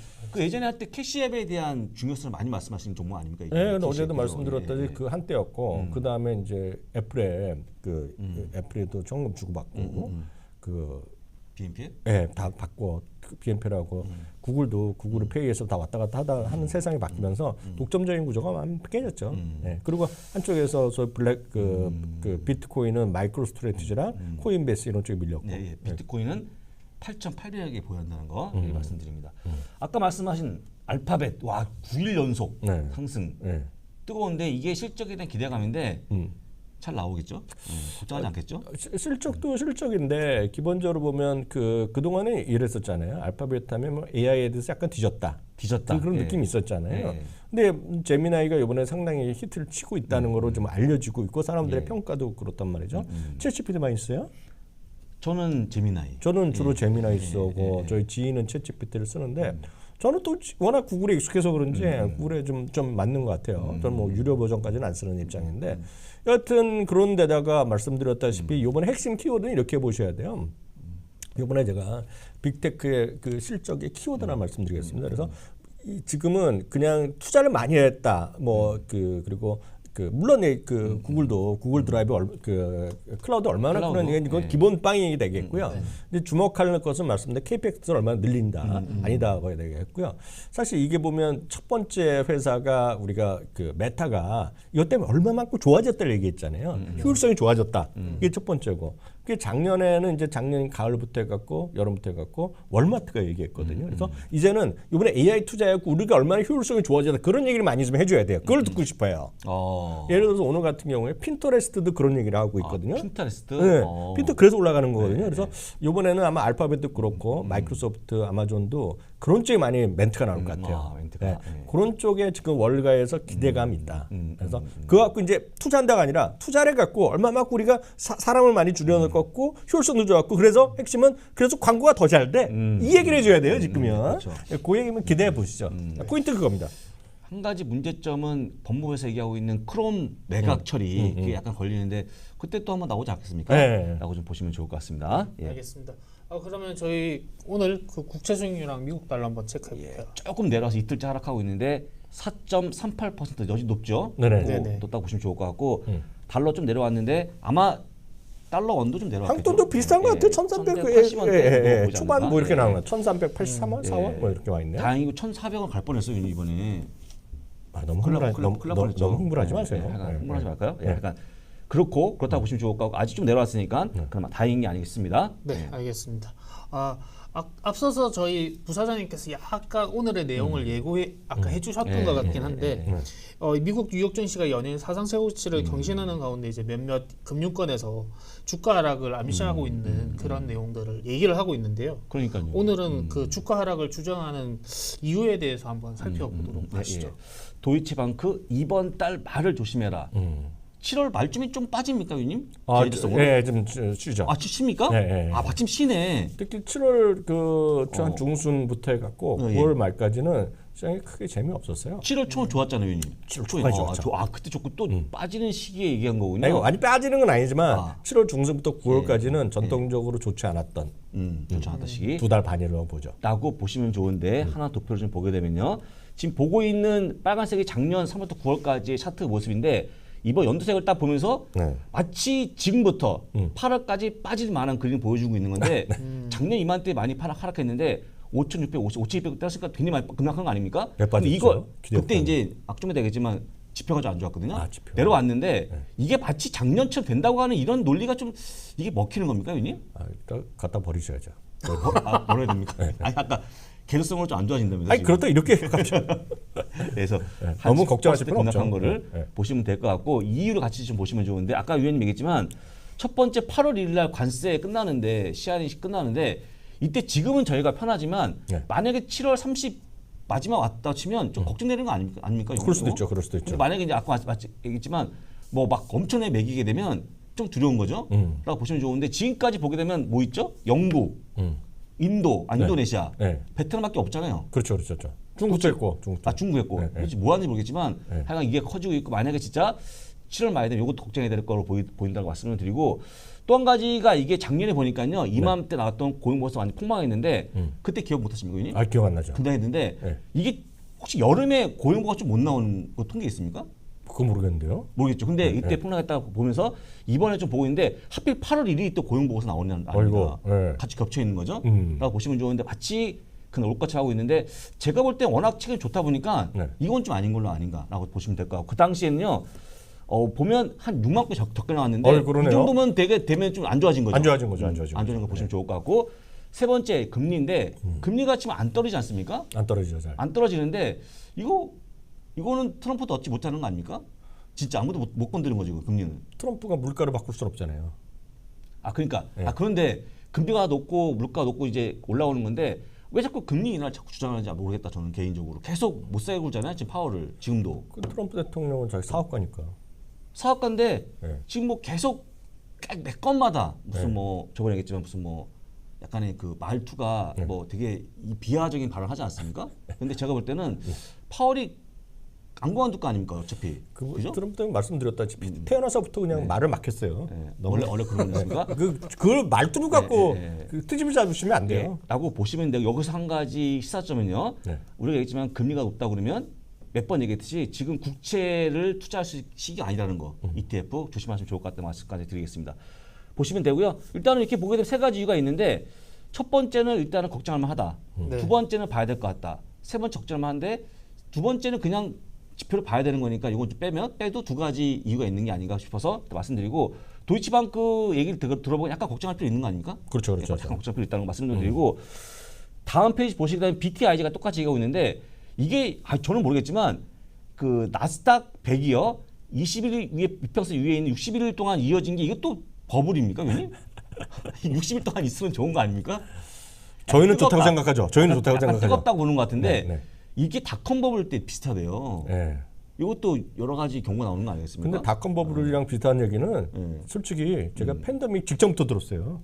[SPEAKER 3] 그 예전에 할 때 캐시앱에 대한 중요성을 많이 말씀하시는 종목 아닙니까? 이게?
[SPEAKER 2] 예, 근데
[SPEAKER 3] 캐시앱이요.
[SPEAKER 2] 어제도 말씀드렸다시피
[SPEAKER 3] 예, 예.
[SPEAKER 2] 그 한때였고
[SPEAKER 3] 음.
[SPEAKER 2] 그 다음에 이제 애플에 그
[SPEAKER 3] 음.
[SPEAKER 2] 애플에도 정금 주고받고
[SPEAKER 3] 음, 음.
[SPEAKER 2] 그
[SPEAKER 3] 비엔피?
[SPEAKER 2] 예, 다 받고 비엔피라고
[SPEAKER 3] 음.
[SPEAKER 2] 구글도 구글을 페이에서 다 왔다 갔다 하다 하는 세상이 바뀌면서 독점적인 구조가 많이 깨졌죠.
[SPEAKER 3] 음.
[SPEAKER 2] 예, 그리고 한쪽에서 저 블랙 그,
[SPEAKER 3] 음.
[SPEAKER 2] 그 비트코인은 마이크로 스트래티지랑 코인베이스 이런 쪽에 밀렸고.
[SPEAKER 3] 네, 예. 비트코인은 팔천팔백억에 보유한다는 거
[SPEAKER 2] 음.
[SPEAKER 3] 예, 말씀드립니다. 아까 말씀하신 알파벳 와 구 일 연속
[SPEAKER 2] 네.
[SPEAKER 3] 상승
[SPEAKER 2] 예.
[SPEAKER 3] 뜨거운데 이게 실적에 대한 기대감인데
[SPEAKER 2] 음.
[SPEAKER 3] 잘 나오겠죠? 음, 걱정하지 않겠죠?
[SPEAKER 2] 시- 실적도 실적인데 기본적으로 보면 그 그동안에 이랬었잖아요. 알파벳 하면 뭐 에이아이에 대해서 약간 뒤졌다.
[SPEAKER 3] 뒤졌다.
[SPEAKER 2] 그런
[SPEAKER 3] 예.
[SPEAKER 2] 느낌이 있었잖아요.
[SPEAKER 3] 예.
[SPEAKER 2] 근데 제미나이가 이번에 상당히 히트를 치고 있다는 거로 좀 알려지고 있고 사람들의
[SPEAKER 3] 예.
[SPEAKER 2] 평가도 그렇단 말이죠.
[SPEAKER 3] 음.
[SPEAKER 2] 챗지피티 많이 써요?
[SPEAKER 3] 저는 재미나이.
[SPEAKER 2] 저는 주로
[SPEAKER 3] 예.
[SPEAKER 2] 제미나이
[SPEAKER 3] 예,
[SPEAKER 2] 쓰고
[SPEAKER 3] 예, 예.
[SPEAKER 2] 저희 지인은 챗지피티를 쓰는데 저는 또 지- 워낙 구글에 익숙해서 그런지
[SPEAKER 3] 음.
[SPEAKER 2] 구글에 좀, 좀 맞는 것 같아요. 저는 뭐 유료 버전까지는 안 쓰는 입장인데 여하튼 그런 데다가 말씀드렸다시피 이번에 핵심 키워드는 이렇게 보셔야 돼요. 이번에 제가 빅테크의 그 실적의 키워드나 말씀드리겠습니다. 그래서 이 지금은 그냥 투자를 많이 했다. 뭐 그 그리고 그 물론 이 그 구글도 구글 드라이브 얼, 그 클라우드 얼마나
[SPEAKER 3] 클라우드?
[SPEAKER 2] 그런 이건
[SPEAKER 3] 네.
[SPEAKER 2] 기본 빵이 되겠고요.
[SPEAKER 1] 네.
[SPEAKER 2] 근데 주목할 것은 말씀드린 케이펙스를 얼마나 늘린다
[SPEAKER 3] 음, 음.
[SPEAKER 2] 아니다 봐야 되겠고요. 사실 이게 보면 첫 번째 회사가 우리가 그 메타가 이것 때문에 얼마만큼 좋아졌다를 얘기했잖아요.
[SPEAKER 3] 음,
[SPEAKER 2] 효율성이 좋아졌다. 이게 첫 번째고. 그게 작년에는 이제 작년 가을부터 해갖고 여름부터 해갖고 월마트가 얘기했거든요. 그래서 이제는 이번에 에이아이 투자해갖고 우리가 얼마나 효율성이 좋아졌다 그런 얘기를 많이 좀 해줘야 돼요. 그걸 듣고 싶어요.
[SPEAKER 3] 어.
[SPEAKER 2] 예를 들어서 오늘 같은 경우에 핀터레스트도 그런 얘기를 하고 있거든요.
[SPEAKER 3] 아, 핀터레스트.
[SPEAKER 2] 네,
[SPEAKER 3] 어.
[SPEAKER 2] 핀터 그래서 올라가는 거거든요.
[SPEAKER 3] 네,
[SPEAKER 2] 그래서 이번에는 아마 알파벳도 그렇고 마이크로소프트, 아마존도 그런 쪽에 많이 멘트가 나올 것
[SPEAKER 3] 음,
[SPEAKER 2] 같아요.
[SPEAKER 3] 아, 멘트가.
[SPEAKER 2] 네,
[SPEAKER 3] 네.
[SPEAKER 2] 그런 쪽에 지금 월가에서 기대감이 있다.
[SPEAKER 3] 음,
[SPEAKER 2] 그래서
[SPEAKER 3] 음, 음.
[SPEAKER 2] 그거 갖고 이제 투자한다가 아니라 투자를 갖고 얼마만큼 우리가 사, 사람을 많이 줄여넣고 효율성도 좋았고 그래서 핵심은 그래서 광고가 더 잘 돼.
[SPEAKER 3] 음.
[SPEAKER 2] 이 얘기를 해줘야 돼요 지금요.
[SPEAKER 3] 그렇죠.
[SPEAKER 2] 그 얘기면 기대해 보시죠. 포인트 그겁니다.
[SPEAKER 3] 한 가지 문제점은 법무부에서 얘기하고 있는 크롬 매각 처리 그게 약간 걸리는데 그때 또 한번 나오지 않겠습니까?
[SPEAKER 2] 네.
[SPEAKER 3] 라고 좀 보시면 좋을 것 같습니다. 예.
[SPEAKER 1] 알겠습니다. 아, 그러면 저희 오늘 그 국채 수익률랑 미국 달러 한번 체크해 볼게요.
[SPEAKER 3] 조금 내려와서 이틀째 하락하고 있는데 사 점 삼팔 퍼센트 여전히 높죠.
[SPEAKER 2] 네네.
[SPEAKER 1] 네네.
[SPEAKER 3] 또 딱 보시면 좋을 것 같고 달러 좀 내려왔는데 아마 달러 원도 좀 내려왔겠죠.
[SPEAKER 2] 한국도 비슷한 것 같아요. 천삼백
[SPEAKER 3] 천삼백팔십 원대
[SPEAKER 2] 예, 예, 예.
[SPEAKER 3] 보지
[SPEAKER 2] 초반
[SPEAKER 3] 않을까?
[SPEAKER 2] 뭐 이렇게
[SPEAKER 3] 예.
[SPEAKER 2] 나오는 거야. 천삼백팔십삼 원, 사 원
[SPEAKER 3] 예.
[SPEAKER 2] 뭐 이렇게 와 있네요.
[SPEAKER 3] 다행이고 천사백 원 갈 뻔했어요 이번에.
[SPEAKER 2] 아, 너무
[SPEAKER 3] 큰일
[SPEAKER 2] 흥분하,
[SPEAKER 3] 날- 큰일
[SPEAKER 2] 너무,
[SPEAKER 3] 큰일 날
[SPEAKER 2] 너무,
[SPEAKER 3] 뻔했죠.
[SPEAKER 2] 너무 흥분하지
[SPEAKER 3] 네,
[SPEAKER 2] 마세요.
[SPEAKER 3] 네, 약간
[SPEAKER 2] 예,
[SPEAKER 3] 흥분하지
[SPEAKER 2] 예.
[SPEAKER 3] 말까요? 예,
[SPEAKER 2] 예.
[SPEAKER 3] 약간 그렇고 그렇다고 보시면 좋을 거고 아직 좀 내려왔으니까 그럼 다행인 게 아니겠습니다.
[SPEAKER 1] 네, 알겠습니다. 아, 앞, 앞서서 저희 부사장님께서 약간 오늘의 내용을 예고해 아까 해주셨던
[SPEAKER 3] 예,
[SPEAKER 1] 것
[SPEAKER 3] 예,
[SPEAKER 1] 같긴 한데
[SPEAKER 2] 예.
[SPEAKER 1] 어, 미국 뉴욕 증시가 연일 사상 최고치를
[SPEAKER 3] 음.
[SPEAKER 1] 경신하는 가운데 이제 몇몇 금융권에서 주가 하락을 암시하고
[SPEAKER 3] 음,
[SPEAKER 1] 있는 그런 내용들을 얘기를 하고 있는데요.
[SPEAKER 3] 그러니까요.
[SPEAKER 1] 오늘은 그 주가 하락을 주장하는 이유에 대해서 한번 살펴보도록
[SPEAKER 3] 네,
[SPEAKER 1] 하시죠.
[SPEAKER 3] 예. 도이치방크 이번 달 말을 조심해라.
[SPEAKER 2] 음.
[SPEAKER 3] 칠월 말쯤이 좀 빠집니까, 위님?
[SPEAKER 2] 아,
[SPEAKER 3] 계획성으로?
[SPEAKER 2] 예, 좀 쉬- 쉬죠.
[SPEAKER 3] 아, 쉽습니까?
[SPEAKER 2] 예, 예, 예.
[SPEAKER 3] 아, 마침 쉬네.
[SPEAKER 2] 특히 칠월 그 한
[SPEAKER 3] 어.
[SPEAKER 2] 중순부터 해갖고
[SPEAKER 3] 어, 예.
[SPEAKER 2] 구월 말까지는 시장이 크게 재미없었어요.
[SPEAKER 3] 칠월 초 좋았잖아요, 위님.
[SPEAKER 2] 칠월
[SPEAKER 3] 초에.
[SPEAKER 2] 초까지
[SPEAKER 3] 아,
[SPEAKER 2] 좋았죠.
[SPEAKER 3] 조- 아, 그때 좋고 또 빠지는 시기에 얘기한 거군요.
[SPEAKER 2] 아니, 이거 많이 빠지는 건 아니지만
[SPEAKER 3] 아.
[SPEAKER 2] 칠월 중순부터 구월까지는 전통적으로 좋지 않았던
[SPEAKER 3] 음, 좋지 않았다 시기.
[SPEAKER 2] 두 달 반이라고 보죠.
[SPEAKER 3] 라고 보시면 좋은데 하나 도표를 좀 보게 되면요. 지금 보고 있는 빨간색이 작년 삼월부터 구월까지의 차트 모습인데 이번 연두색을 딱 보면서
[SPEAKER 2] 네.
[SPEAKER 3] 마치 지금부터 팔월까지 빠질 만한 그림을 보여주고 있는 건데 작년 이맘때 많이 하락, 하락했는데 오천육백오십, 오천이백 때렸으니까 굉장히 많이 급락한 거 아닙니까?
[SPEAKER 2] 네, 빠졌죠.
[SPEAKER 3] 근데 이거
[SPEAKER 2] 기대
[SPEAKER 3] 그때
[SPEAKER 2] 없다는.
[SPEAKER 3] 이제 악종이 되겠지만 지표가 좀 안 좋았거든요.
[SPEAKER 2] 아, 지표.
[SPEAKER 3] 내려왔는데 이게 마치 작년처럼 된다고 하는 이런 논리가 좀 이게 먹히는 겁니까, 위님?
[SPEAKER 2] 아, 일단 갖다 버리셔야죠.
[SPEAKER 3] 뭐, 아, 뭐라 해야 됩니까? 아니 아까 개수성으로 좀 안 좋아진다면서.
[SPEAKER 2] 아니
[SPEAKER 3] 지금.
[SPEAKER 2] 그렇다 이렇게 갑자기
[SPEAKER 3] 그래서
[SPEAKER 2] 네,
[SPEAKER 3] 한
[SPEAKER 2] 너무 걱정하실
[SPEAKER 3] 십 퍼센트
[SPEAKER 2] 필요는 없죠.
[SPEAKER 3] 급락한 거를
[SPEAKER 2] 네, 네.
[SPEAKER 3] 보시면 될 것 같고 이유를 같이 좀 보시면 좋은데 아까 위원님 얘기했지만 첫 번째 팔월 일일 날 관세 끝나는데 시한이 끝나는데 이때 지금은 저희가 편하지만
[SPEAKER 2] 네.
[SPEAKER 3] 만약에 칠월 삼십 마지막 왔다 치면 좀 걱정되는 거 아닙니까? 아닙니까?
[SPEAKER 2] 그럴 수도
[SPEAKER 3] 이거?
[SPEAKER 2] 있죠. 그럴 수도 있죠.
[SPEAKER 3] 근데 만약에 이제 아까 맞 얘기했지만 뭐 막 엄청나게 매기게 되면 좀 두려운 거죠.
[SPEAKER 2] 음.
[SPEAKER 3] 라고 보시면 좋은데 지금까지 보게 되면 뭐 있죠? 영국,
[SPEAKER 2] 음.
[SPEAKER 3] 인도, 아, 인도네시아,
[SPEAKER 2] 네.
[SPEAKER 3] 베트남밖에 없잖아요.
[SPEAKER 2] 그렇죠, 그렇죠, 그렇죠. 중국도 있고, 중국도.
[SPEAKER 3] 아 중국 했고
[SPEAKER 2] 네, 네.
[SPEAKER 3] 그렇지 뭐 하는지 모르겠지만
[SPEAKER 2] 네.
[SPEAKER 3] 하여간 이게 커지고 있고 만약에 진짜 칠월 말에 되면 이것도 걱정이 될 거로 보이, 보인다고 말씀을 드리고 또 한 가지가 이게 작년에 보니까요 이맘때 나왔던 고용보고서 많이 폭망했는데
[SPEAKER 2] 음.
[SPEAKER 3] 그때 기억 못하십니까, 의원님?
[SPEAKER 2] 아 기억 안 나죠.
[SPEAKER 3] 분당했는데
[SPEAKER 2] 네.
[SPEAKER 3] 이게 혹시 여름에 고용보고가 좀 못 나오는 거 통계 있습니까?
[SPEAKER 2] 그거 모르겠는데요.
[SPEAKER 3] 모르겠죠. 근데
[SPEAKER 2] 네,
[SPEAKER 3] 이때
[SPEAKER 2] 네.
[SPEAKER 3] 폭락했다고 보면서 이번에 좀 보고 있는데 하필 팔월 일일이 또 고용보고서 나오는
[SPEAKER 2] 아이고,
[SPEAKER 3] 아닙니다.
[SPEAKER 2] 네.
[SPEAKER 3] 같이 겹쳐 있는 거죠.
[SPEAKER 2] 음.
[SPEAKER 3] 라고 보시면 좋은데 마치 그날 올것처럼 하고 있는데 제가 볼 때 워낙 책이 좋다 보니까
[SPEAKER 2] 네.
[SPEAKER 3] 이건 좀 아닌 걸로 아닌가라고 보시면 될 것 같고 그 당시에는요. 어, 보면 한 육만 건 적- 적게 나왔는데
[SPEAKER 2] 어이, 그러네요.
[SPEAKER 3] 이 정도면 되게 되면 좀 안 좋아진 거죠.
[SPEAKER 2] 안 좋아진 거죠, 안 좋아진
[SPEAKER 3] 안 좋아진
[SPEAKER 2] 거죠.
[SPEAKER 3] 거 보시면 좋을 것 같고 세 번째 금리인데 금리가 지금 안 떨어지지 않습니까?
[SPEAKER 2] 안 떨어지죠, 잘.
[SPEAKER 3] 안 떨어지는데 이거 이거는 트럼프도 얻지 못하는 거 아닙니까? 진짜 아무도 못, 못 건드는 거죠, 그 금리는.
[SPEAKER 2] 트럼프가 물가를 바꿀 수는 없잖아요.
[SPEAKER 3] 아 그러니까
[SPEAKER 2] 네.
[SPEAKER 3] 아 그런데 금리가 높고 물가가 높고 이제 올라오는 건데 왜 자꾸 금리 인하를 자꾸 주장하는지 모르겠다 저는 개인적으로 계속 못 살게 굴잖아요 지금 파월을 지금도
[SPEAKER 2] 그 트럼프 대통령은 자기 사업가니까.
[SPEAKER 3] 사업가인데
[SPEAKER 2] 네.
[SPEAKER 3] 지금 뭐 계속 매 건마다 무슨
[SPEAKER 2] 네.
[SPEAKER 3] 뭐 저번에 얘기했지만 무슨 뭐 약간의 그 말투가
[SPEAKER 2] 네.
[SPEAKER 3] 뭐 되게 이 비하적인 발언을 하지 않습니까? 근데 제가 볼 때는 파월이 안 그만둘 거 아닙니까 어차피.
[SPEAKER 2] 그,
[SPEAKER 3] 그죠?
[SPEAKER 2] 트럼프 때문에 말씀드렸다시피 태어나서부터 그냥
[SPEAKER 3] 네.
[SPEAKER 2] 말을 막혔어요.
[SPEAKER 3] 네.
[SPEAKER 2] 너무
[SPEAKER 3] 원래 원래 그런 거니까.
[SPEAKER 2] 그 그걸 말투로 갖고
[SPEAKER 3] 네, 네, 네.
[SPEAKER 2] 그 트집을 잡으시면 안
[SPEAKER 3] 네.
[SPEAKER 2] 돼요.
[SPEAKER 3] 라고 보시면 돼요. 여기서 한 가지 시사점은요.
[SPEAKER 2] 네.
[SPEAKER 3] 우리가 얘기했지만 금리가 높다 그러면 몇 번 얘기했듯이 지금 국채를 투자할 수 시기가 아니라는 거.
[SPEAKER 2] 음.
[SPEAKER 3] 이티에프 조심하시면 좋을 것 같다는 말씀까지 드리겠습니다. 보시면 되고요. 일단은 이렇게 보게 되면 세 가지 이유가 있는데 첫 번째는 일단은 걱정할 만하다.
[SPEAKER 1] 네.
[SPEAKER 3] 두 번째는 봐야 될 것 같다. 세 번째 걱정할 만한데 두 번째는 그냥 지표를 봐야 되는 거니까 이건 좀 빼면 빼도 두 가지 이유가 있는 게 아닌가 싶어서 말씀드리고 도이치방크 얘기를 들- 들어보면 약간 걱정할 필요 있는 거 아닙니까?
[SPEAKER 2] 그렇죠, 그렇죠.
[SPEAKER 3] 약간 걱정할 필요 있다는 거 말씀을 드리고 다음 페이지 보시게 되면 비티아이지가 똑같이 얘기하고 있는데 이게 아, 저는 모르겠지만 그 나스닥 백이요 이십 일 위에 이평선 위에 있는 육십일 일 동안 이어진 게 이것도 버블입니까, 위원님? 육십 일 동안 있으면 좋은 거 아닙니까?
[SPEAKER 2] 저희는
[SPEAKER 3] 뜨겁다.
[SPEAKER 2] 좋다고 생각하죠. 저희는 좋다고
[SPEAKER 3] 약간
[SPEAKER 2] 생각하죠.
[SPEAKER 3] 뜨겁다고 보는 것 같은데
[SPEAKER 2] 네, 네.
[SPEAKER 3] 이게 닷컴 버블 때 비슷하대요.
[SPEAKER 2] 네.
[SPEAKER 3] 이것도 여러 가지 경우가 나오는 거 아니겠습니까?
[SPEAKER 2] 근데 닷컴 버블이랑 비슷한 얘기는
[SPEAKER 3] 네.
[SPEAKER 2] 솔직히 제가 팬데믹 직전부터 들었어요.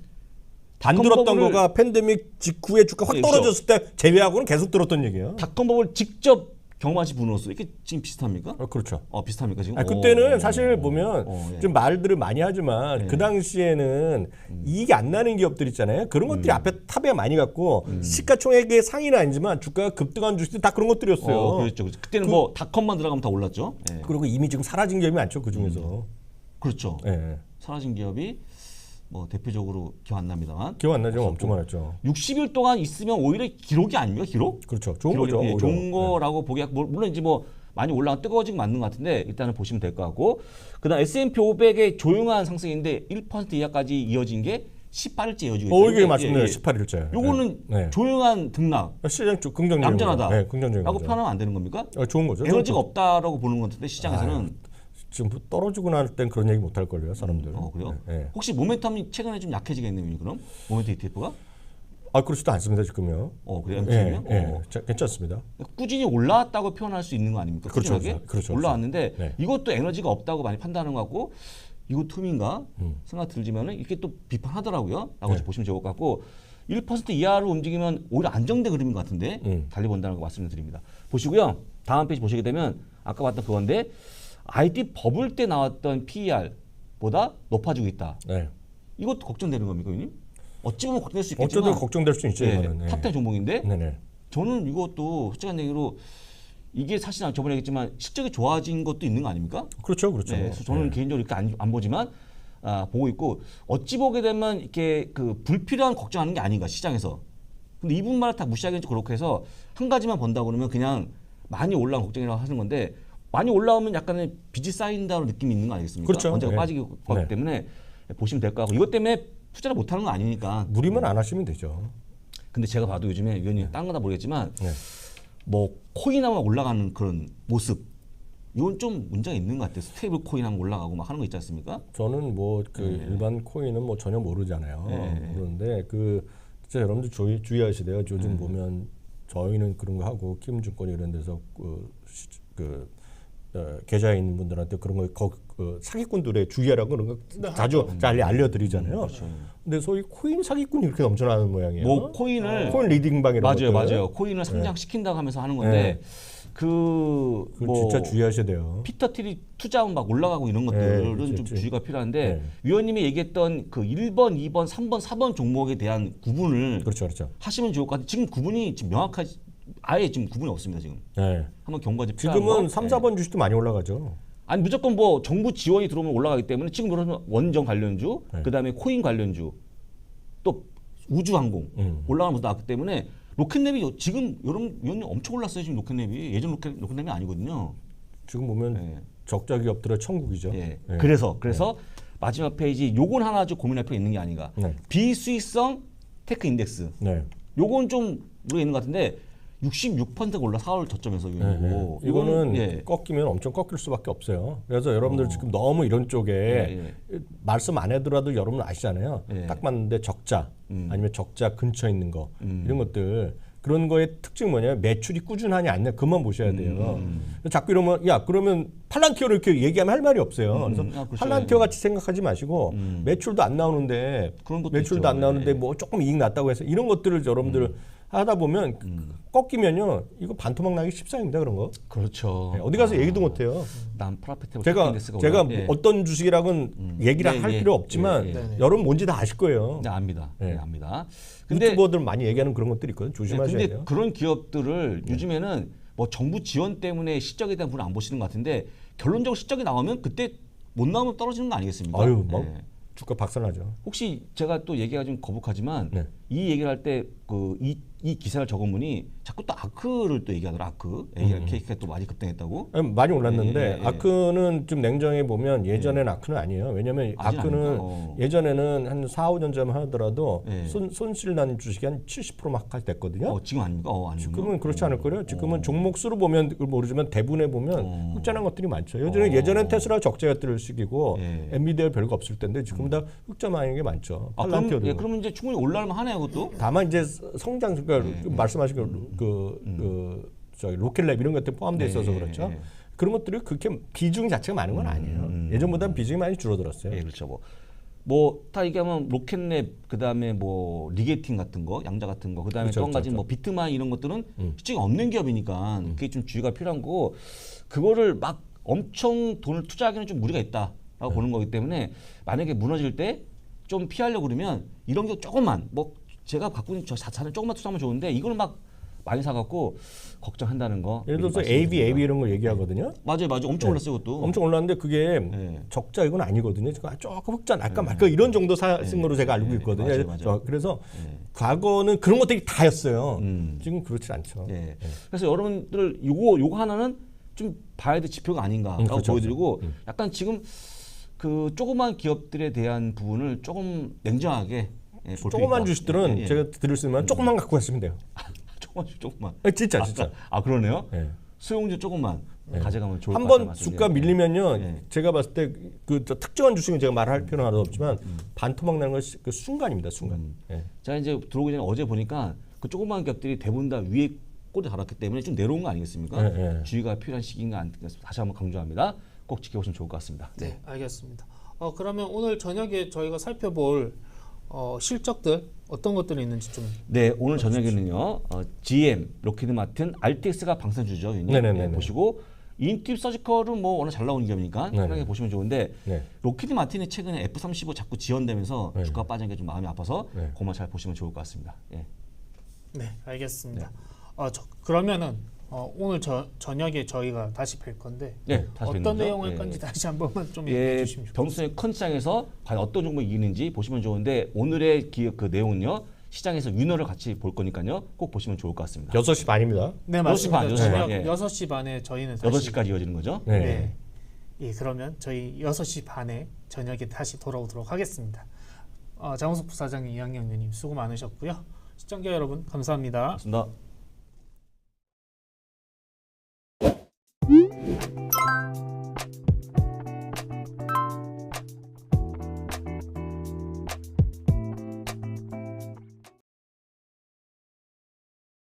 [SPEAKER 2] 안
[SPEAKER 3] 닷컴
[SPEAKER 2] 들었던
[SPEAKER 3] 버블을-
[SPEAKER 2] 거가 팬데믹 직후에 주가 확
[SPEAKER 3] 네,
[SPEAKER 2] 떨어졌을 때 제외하고는 계속 들었던 얘기예요.
[SPEAKER 3] 닷컴 버블 직접 경험하신 분으로서 이게 지금 비슷합니까?
[SPEAKER 2] 어, 그렇죠.
[SPEAKER 3] 어 비슷합니까 지금?
[SPEAKER 2] 아, 그때는
[SPEAKER 3] 오,
[SPEAKER 2] 사실
[SPEAKER 3] 오,
[SPEAKER 2] 보면
[SPEAKER 3] 오, 예.
[SPEAKER 2] 좀 말들을 많이 하지만
[SPEAKER 3] 네.
[SPEAKER 2] 그 당시에는 이익이 안 나는 기업들 있잖아요. 그런 것들이 앞에 탑에 많이 갔고 시가총액의 상위는 아니지만 주가가 급등한 주식들 다 그런 것들이었어요.
[SPEAKER 3] 어, 그렇죠. 그렇죠. 그때는 뭐 닷컴만 들어가면 다 올랐죠. 예.
[SPEAKER 2] 그리고 이미 지금 사라진 기업이 많죠. 그 중에서.
[SPEAKER 3] 그렇죠.
[SPEAKER 2] 예.
[SPEAKER 3] 사라진 기업이 뭐 대표적으로 기억 안 납니다만
[SPEAKER 2] 기억 안 나죠? 엄청 많았죠.
[SPEAKER 3] 육십 일 동안 있으면 오히려 기록이 아닙니까? 기록?
[SPEAKER 2] 그렇죠. 좋은
[SPEAKER 3] 기록이,
[SPEAKER 2] 거죠.
[SPEAKER 3] 예,
[SPEAKER 2] 오히려.
[SPEAKER 3] 좋은 거라고 보기 물론 이제 뭐 많이 올라가 뜨거워지고 맞는 것 같은데 일단은 보시면 될 것 같고 그다음 에스 앤 피 오백의 조용한 상승인데 일 퍼센트 이하까지 이어진 게 십팔 일째 이어지고
[SPEAKER 2] 어,
[SPEAKER 3] 있어요.
[SPEAKER 2] 이게
[SPEAKER 3] 예,
[SPEAKER 2] 맞습니다.
[SPEAKER 3] 예.
[SPEAKER 2] 십팔 일째.
[SPEAKER 3] 요거는
[SPEAKER 2] 네.
[SPEAKER 3] 조용한 등락,
[SPEAKER 2] 시장 쪽 긍정적인
[SPEAKER 3] 얌전하다.
[SPEAKER 2] 거죠. 네, 긍정적인
[SPEAKER 3] 라고
[SPEAKER 2] 거죠.
[SPEAKER 3] 표현하면 안 되는 겁니까?
[SPEAKER 2] 어, 좋은 거죠.
[SPEAKER 3] 에너지가
[SPEAKER 2] 좋은
[SPEAKER 3] 없다라고 보는 것 같은데 시장에서는
[SPEAKER 2] 아유, 지금 떨어지고 날 땐 그런 얘기 못 할 걸요, 사람들.
[SPEAKER 3] 어 그래요?
[SPEAKER 2] 네, 네.
[SPEAKER 3] 혹시 모멘텀이 최근에 좀 약해지겠네요, 그럼? 모멘텀 이티에프가?
[SPEAKER 2] 아, 그렇지도 않습니다, 지금요.
[SPEAKER 3] 어 그래요?
[SPEAKER 2] 예,
[SPEAKER 3] 엠티엠이요?
[SPEAKER 2] 예,
[SPEAKER 3] 어.
[SPEAKER 2] 자, 괜찮습니다.
[SPEAKER 3] 꾸준히 올라왔다고 표현할 수 있는 거 아닙니까?
[SPEAKER 2] 그렇죠,
[SPEAKER 3] 꾸준하게?
[SPEAKER 2] 그렇죠, 그렇죠.
[SPEAKER 3] 올라왔는데
[SPEAKER 2] 네.
[SPEAKER 3] 이것도 에너지가 없다고 많이 판단하는 것 같고 이거 틈인가 생각 들지만은 이렇게 또 비판하더라고요. 라고
[SPEAKER 2] 네.
[SPEAKER 3] 보시면 좋을 것 같고 일 퍼센트 이하로 움직이면 오히려 안정된 그림인 것 같은데
[SPEAKER 2] 음.
[SPEAKER 3] 달리 본다는 거 말씀을 드립니다. 보시고요. 다음 페이지 보시게 되면 아까 봤던 그건데 아이티 버블 때 나왔던 피이알보다 높아지고 있다.
[SPEAKER 2] 네.
[SPEAKER 3] 이것도 걱정되는 겁니까, 위님? 어찌 보면 걱정될 수 있겠지만
[SPEAKER 2] 어쩌든 걱정될 수 있죠,
[SPEAKER 3] 예,
[SPEAKER 2] 이거는. 네.
[SPEAKER 3] 탑텐 종목인데
[SPEAKER 2] 네네.
[SPEAKER 3] 저는 이것도 솔직한 얘기로 이게 사실 저번에 얘기했지만 실적이 좋아진 것도 있는 거 아닙니까?
[SPEAKER 2] 그렇죠, 그렇죠.
[SPEAKER 3] 네, 그래서 저는
[SPEAKER 2] 네.
[SPEAKER 3] 개인적으로 이렇게 안, 안 보지만 아, 보고 있고 어찌 보게 되면 이렇게 그 불필요한 걱정하는 게 아닌가 시장에서. 근데 이분만을 다 무시하기는 좀 그렇고 해서 한 가지만 본다 그러면 그냥 많이 올라온 걱정이라고 하는 건데 많이 올라오면 약간의 빚이 쌓인다는 느낌이 있는 거 아니겠습니까?
[SPEAKER 2] 그렇죠.
[SPEAKER 3] 언제가
[SPEAKER 2] 네.
[SPEAKER 3] 빠지기 거기
[SPEAKER 2] 네.
[SPEAKER 3] 때문에 보시면 될 것 같고 이것 때문에 투자를 못하는 건 아니니까.
[SPEAKER 2] 무리만 안 하시면 되죠.
[SPEAKER 3] 근데 제가 봐도 요즘에 위원님 딴 거다 모르겠지만
[SPEAKER 2] 네.
[SPEAKER 3] 뭐 코인하면 올라가는 그런 모습 이건 좀 문제가 있는 것 같아요. 스테이블 코인 하면 올라가고 막 하는 거 있지 않습니까?
[SPEAKER 2] 저는 뭐 그 일반 코인은 뭐 전혀 모르잖아요.
[SPEAKER 3] 네.
[SPEAKER 2] 그런데 그 진짜 여러분들 주의, 주의하시대요. 요즘 보면 저희는 그런 거 하고 키움증권 이런 데서 그, 시- 그 어, 계좌에 있는 분들한테 그런 거 거, 그 사기꾼들의 주의하라고 그런 거 자주 알려 알려드리잖아요.
[SPEAKER 3] 그렇죠.
[SPEAKER 2] 근데 소위 코인 사기꾼이 이렇게 넘쳐나는 모양이에요.
[SPEAKER 3] 뭐 코인을
[SPEAKER 2] 코인 리딩방 이런
[SPEAKER 3] 맞아요,
[SPEAKER 2] 것들.
[SPEAKER 3] 맞아요. 코인을 성장시킨다고 하면서 하는 건데 그
[SPEAKER 2] 그걸
[SPEAKER 3] 뭐
[SPEAKER 2] 진짜 주의하셔야 돼요.
[SPEAKER 3] 피터 틸이 투자하면 막 올라가고 이런
[SPEAKER 2] 네,
[SPEAKER 3] 것들은
[SPEAKER 2] 그렇지,
[SPEAKER 3] 좀
[SPEAKER 2] 그렇지.
[SPEAKER 3] 주의가 필요한데
[SPEAKER 2] 네.
[SPEAKER 3] 위원님이 얘기했던 그 일 번, 이 번, 삼 번, 사 번 종목에 대한 구분을
[SPEAKER 2] 그렇죠, 그렇죠.
[SPEAKER 3] 하시면 좋을 것 같아요. 지금 구분이 지금 명확하지 아예 지금 구분이 없습니다. 지금
[SPEAKER 2] 네.
[SPEAKER 3] 한번 경고가 필요한
[SPEAKER 2] 지금은
[SPEAKER 3] 거.
[SPEAKER 2] 삼, 사 번 주식도 많이 올라가죠.
[SPEAKER 3] 아니 무조건 뭐 정부 지원이 들어오면 올라가기 때문에 지금 그러면 원전 관련주,
[SPEAKER 2] 네.
[SPEAKER 3] 그다음에 코인 관련주, 또 우주항공
[SPEAKER 2] 음.
[SPEAKER 3] 올라가는 것도 나왔기 때문에 로켓랩이 지금 여러분 위원님 엄청 올랐어요. 지금 로켓랩이 예전 로켓 로켓랩이 아니거든요.
[SPEAKER 2] 지금 보면
[SPEAKER 3] 네.
[SPEAKER 2] 적자 기업들의 천국이죠.
[SPEAKER 3] 예.
[SPEAKER 2] 네.
[SPEAKER 3] 그래서 그래서 마지막 페이지 요건 하나 좀 고민할 필요 있는 게 아닌가.
[SPEAKER 2] 네.
[SPEAKER 3] 비수익성 테크 인덱스.
[SPEAKER 2] 네.
[SPEAKER 3] 요건 좀 우리가 있는 것 같은데 육십육 퍼센트가 올라 사월 저점에서
[SPEAKER 2] 네,
[SPEAKER 3] 이거
[SPEAKER 2] 네. 이거는
[SPEAKER 3] 예.
[SPEAKER 2] 꺾이면 엄청 꺾일 수밖에 없어요. 그래서 여러분들 지금 너무 이런 쪽에
[SPEAKER 3] 예,
[SPEAKER 2] 말씀 안 해더라도 여러분 아시잖아요.
[SPEAKER 3] 예.
[SPEAKER 2] 딱 맞는데 적자
[SPEAKER 3] 음.
[SPEAKER 2] 아니면 적자 근처에 있는 거
[SPEAKER 3] 음.
[SPEAKER 2] 이런 것들 그런 거의 특징이 뭐냐면 매출이 꾸준하냐 아니냐 그만 보셔야 돼요.
[SPEAKER 3] 음.
[SPEAKER 2] 자꾸 이러면 야 그러면 팔란티어를 이렇게 얘기하면 할 말이 없어요. 그래서
[SPEAKER 3] 아, 그렇죠.
[SPEAKER 2] 팔란티어 같이 생각하지 마시고
[SPEAKER 3] 음.
[SPEAKER 2] 매출도 안 나오는데
[SPEAKER 3] 그런 것도
[SPEAKER 2] 매출도
[SPEAKER 3] 있죠.
[SPEAKER 2] 안 나오는데
[SPEAKER 3] 예.
[SPEAKER 2] 뭐 조금 이익 났다고 해서 이런 것들을 여러분들 하다 보면
[SPEAKER 3] 음.
[SPEAKER 2] 꺾이면요 이거 반토막 나기 십상입니다 그런 거.
[SPEAKER 3] 그렇죠.
[SPEAKER 2] 네, 어디 가서
[SPEAKER 3] 아,
[SPEAKER 2] 얘기도 못 해요.
[SPEAKER 3] 난 프라페트
[SPEAKER 2] 제가 제가 뭐 어떤 주식이라고는 얘기를
[SPEAKER 3] 네,
[SPEAKER 2] 할
[SPEAKER 3] 예,
[SPEAKER 2] 필요 없지만
[SPEAKER 3] 예,
[SPEAKER 1] 예.
[SPEAKER 2] 여러분 뭔지 다 아실 거예요.
[SPEAKER 3] 네, 압니다.
[SPEAKER 2] 네.
[SPEAKER 3] 네, 압니다. 근데
[SPEAKER 2] 유튜버들 많이 얘기하는 그런 것들이 있거든요.
[SPEAKER 3] 네,
[SPEAKER 2] 조심하셔야
[SPEAKER 3] 근데
[SPEAKER 2] 돼요.
[SPEAKER 3] 그런 기업들을 요즘에는 뭐 정부 지원 때문에 실적에 대한 부분을 안 보시는 것 같은데 결론적으로 실적이 나오면 그때 못 나오면 떨어지는 거 아니겠습니까?
[SPEAKER 2] 아유 막
[SPEAKER 3] 네.
[SPEAKER 2] 주가 박살나죠.
[SPEAKER 3] 혹시 제가 또 얘기가 좀 거북하지만
[SPEAKER 2] 네.
[SPEAKER 3] 이 얘기를 할 때 그 이 이 기사를 적은 분이 자꾸 또 아크를 또 얘기하더라. 아크 에이알 케이크가 또 많이 급등했다고.
[SPEAKER 2] 아니, 많이 올랐는데
[SPEAKER 3] 예, 예, 예.
[SPEAKER 2] 아크는 좀 냉정해 보면 예전엔 아크는 아니에요. 왜냐하면
[SPEAKER 3] 아직
[SPEAKER 2] 아크는
[SPEAKER 3] 아닌가? 어.
[SPEAKER 2] 예전에는 한 사, 오 년 전 하더라도
[SPEAKER 3] 예.
[SPEAKER 2] 손, 손실 나는 주식이 한 칠십 퍼센트 막 됐거든요.
[SPEAKER 3] 어, 지금 아닙니까? 어, 아니군요.
[SPEAKER 2] 지금은 그렇지 않을 거예요. 지금은
[SPEAKER 3] 어.
[SPEAKER 2] 종목 수로 보면 그걸 모르지만 대분해 보면
[SPEAKER 3] 어.
[SPEAKER 2] 흑자난 것들이 많죠. 예전에
[SPEAKER 3] 어.
[SPEAKER 2] 예전엔 테슬라 적자였을 시기고
[SPEAKER 3] 예.
[SPEAKER 2] 엔비디아 별거 없을 텐데 지금은 다 흑자 많은 게 많죠.
[SPEAKER 3] 아, 그럼,
[SPEAKER 2] 팔란티어도.
[SPEAKER 3] 예, 그러면 이제 충분히 올라올만 하네요, 그것도.
[SPEAKER 2] 다만 이제 성장 그러니까
[SPEAKER 3] 예.
[SPEAKER 2] 말씀하신 그, 그, 그 저기 로켓랩 이런 것들 포함돼 있어서
[SPEAKER 3] 네,
[SPEAKER 2] 그렇죠.
[SPEAKER 3] 예.
[SPEAKER 2] 그런 것들이 그렇게 비중 자체가 많은 건 아니에요.
[SPEAKER 3] 음.
[SPEAKER 2] 예전보다는 비중이 많이 줄어들었어요.
[SPEAKER 3] 예, 그렇죠. 뭐, 뭐, 다 얘기하면 로켓랩, 그 다음에 뭐, 리게팅 같은 거, 양자 같은 거, 그 다음에
[SPEAKER 2] 그렇죠,
[SPEAKER 3] 또 한 가지
[SPEAKER 2] 그렇죠.
[SPEAKER 3] 뭐, 비트마인 이런 것들은
[SPEAKER 2] 음.
[SPEAKER 3] 실적이 없는 기업이니까 그게 좀 주의가 필요한 거고, 그거를 막 엄청 돈을 투자하기는 좀 무리가 있다라고
[SPEAKER 2] 네.
[SPEAKER 3] 보는 거기 때문에 만약에 무너질 때 좀 피하려고 그러면 이런 게 조금만, 뭐, 제가 갖고 있는 저 자산을 조금만 투자하면 좋은데 이걸 막 많이 사갖고 걱정한다는 거.
[SPEAKER 2] 예를 들어서
[SPEAKER 3] 미리
[SPEAKER 2] 에이비,
[SPEAKER 3] 말씀드립니다.
[SPEAKER 2] 에이비 이런 걸 얘기하거든요.
[SPEAKER 3] 맞아요, 맞아요. 엄청
[SPEAKER 2] 네.
[SPEAKER 3] 올랐어요, 그것도.
[SPEAKER 2] 엄청 올랐는데 그게
[SPEAKER 3] 네.
[SPEAKER 2] 적자 이건 아니거든요. 지금 조금 흑자 날까 말까 이런 정도 사, 쓴 거로 제가 알고
[SPEAKER 3] 네.
[SPEAKER 2] 있거든요.
[SPEAKER 3] 맞아요, 맞아요.
[SPEAKER 2] 저- 그래서
[SPEAKER 3] 네.
[SPEAKER 2] 과거는 그런 것들이 다였어요.
[SPEAKER 3] 음.
[SPEAKER 2] 지금 그렇지 않죠.
[SPEAKER 3] 예. 그래서 여러분들 요거 요거 하나는 좀 봐야 될 지표가 아닌가라고
[SPEAKER 2] 음, 그렇죠,
[SPEAKER 3] 보여드리고
[SPEAKER 2] 그렇죠.
[SPEAKER 3] 약간 지금 그 조그만 기업들에 대한 부분을 조금 냉정하게 예, 볼
[SPEAKER 2] 조그만
[SPEAKER 3] 필요가 있다.
[SPEAKER 2] 주식들은
[SPEAKER 3] 예, 예.
[SPEAKER 2] 제가 드릴 수 있는 조금만 갖고 가시면 돼요.
[SPEAKER 3] 조금만 조금만.
[SPEAKER 2] 아, 진짜 진짜.
[SPEAKER 3] 아 그러네요.
[SPEAKER 2] 예.
[SPEAKER 3] 소형주 조금만 가져가면 좋을 것
[SPEAKER 2] 한
[SPEAKER 3] 같아요.
[SPEAKER 2] 번 주가 밀리면요,
[SPEAKER 3] 예.
[SPEAKER 2] 제가 봤을 때 그 특정한 주식은 제가 말할 필요는 하나도 없지만
[SPEAKER 3] 음.
[SPEAKER 2] 반토막 나는 건 그 순간입니다, 순간. 예.
[SPEAKER 3] 제가 이제 들어오기 전에 어제 보니까 그 조그만 기업들이 대부분 다 위에 꼬리 달았기 때문에 좀 내려온 거 아니겠습니까?
[SPEAKER 2] 예, 예.
[SPEAKER 3] 주의가 필요한 시기인가 안 다시 한번 강조합니다. 꼭 지켜보시면 좋을 것 같습니다.
[SPEAKER 1] 네, 알겠습니다. 어, 그러면 오늘 저녁에 저희가 살펴볼 어, 실적들 어떤 것들이 있는지 좀
[SPEAKER 3] 네, 오늘 저녁에는요. 어, 지엠, 로키드 마틴, 알티엑스가 방산주죠. 유닛.
[SPEAKER 2] 네네네네.
[SPEAKER 3] 네, 보시고 인팁 서지컬은 뭐 워낙 잘 나오는 기업이니까
[SPEAKER 2] 네네.
[SPEAKER 3] 편하게 보시면 좋은데
[SPEAKER 2] 네.
[SPEAKER 3] 로키드 마틴이 최근에 에프 삼십오 자꾸 지연되면서
[SPEAKER 2] 네.
[SPEAKER 3] 주가 빠진 게 좀 마음이 아파서
[SPEAKER 2] 네.
[SPEAKER 3] 그것만 잘 보시면 좋을 것 같습니다. 예.
[SPEAKER 1] 네, 알겠습니다. 어, 저, 그러면은 어, 오늘 저, 저녁에 저희가 다시 뵐 건데
[SPEAKER 3] 네, 다시 뵙는
[SPEAKER 1] 어떤
[SPEAKER 3] 거죠?
[SPEAKER 1] 내용을
[SPEAKER 3] 예.
[SPEAKER 1] 건지 다시 한 번만 좀 얘기해
[SPEAKER 3] 예,
[SPEAKER 1] 주시면 좋겠습니다.
[SPEAKER 3] 변수의 컨 시장에서 과연 어떤 종목이 이기는지 보시면 좋은데 오늘의 기, 그 내용은요. 시장에서 위너를 같이 볼 거니까요. 꼭 보시면 좋을 것 같습니다.
[SPEAKER 2] 여섯 시 반입니다.
[SPEAKER 1] 네,
[SPEAKER 3] 여섯 시 반,
[SPEAKER 1] 맞습니다.
[SPEAKER 3] 여섯 시
[SPEAKER 1] 저녁
[SPEAKER 3] 반, 예.
[SPEAKER 1] 여섯 시 반에 저희는 다시
[SPEAKER 3] 여덟 시까지 이어지는 거죠.
[SPEAKER 2] 네.
[SPEAKER 1] 네. 예, 그러면 저희 여섯 시 반에 저녁에 다시 돌아오도록 하겠습니다. 어, 장우석 부사장님, 이학영 의원님 수고 많으셨고요. 시청자 여러분 감사합니다.
[SPEAKER 3] 고맙습니다.